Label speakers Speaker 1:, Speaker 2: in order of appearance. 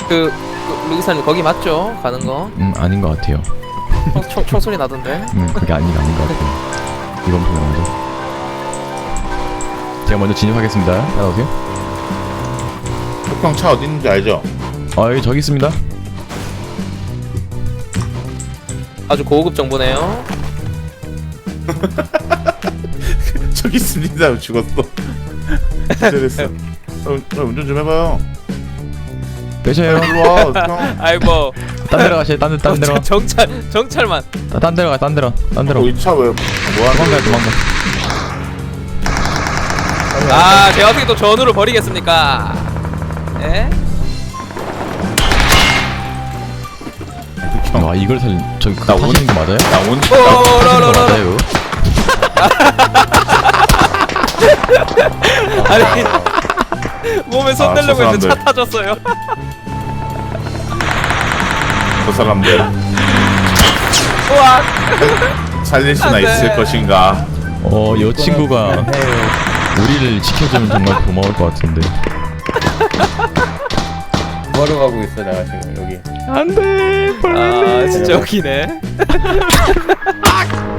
Speaker 1: 루기사님 거기 맞죠? 가는 거?
Speaker 2: 아닌 것 같아요.
Speaker 1: 총소리 나던데?
Speaker 2: 그게 아닌 것 같아요. 이번 분야 먼저. 제가 먼저 진입하겠습니다. 따라오세요.
Speaker 3: 형 차 어디 있는지 알죠?
Speaker 2: 여기 저기 있습니다.
Speaker 1: 아주 고급 정보네요.
Speaker 3: 저기 있습니다. 죽었어. 기절했어. 운전 좀 해봐요.
Speaker 2: 빼셔요.
Speaker 3: 일로 와. 형.
Speaker 1: 아이고.
Speaker 2: 딴 데로 가세요. 딴 데로.
Speaker 1: 정찰만.
Speaker 2: 딴 데로 가. 딴 데로.
Speaker 3: 이 차 왜 뭐하는
Speaker 2: 도망가.
Speaker 1: 아, 제가 어떻게 또 전우를 버리겠습니까? 예?
Speaker 2: 와 이걸 살린 저기
Speaker 3: 나
Speaker 2: 그거 타시는 거 맞아요?
Speaker 3: 나 온.
Speaker 2: 타시는 거 맞아요?
Speaker 1: 아니 몸에 손 대려고 했는데 차
Speaker 3: 사람들.
Speaker 1: 타졌어요.
Speaker 3: 그 사람들
Speaker 1: 우와.
Speaker 3: 살릴 수나
Speaker 1: 안 돼.
Speaker 3: 있을 것인가?
Speaker 2: 이 친구가 우리를 지켜주면 정말 고마울 것 같은데.
Speaker 4: 뭐하러 가고 있어 내가 지금 여기.
Speaker 2: 안돼.
Speaker 1: 아 진짜 웃기네.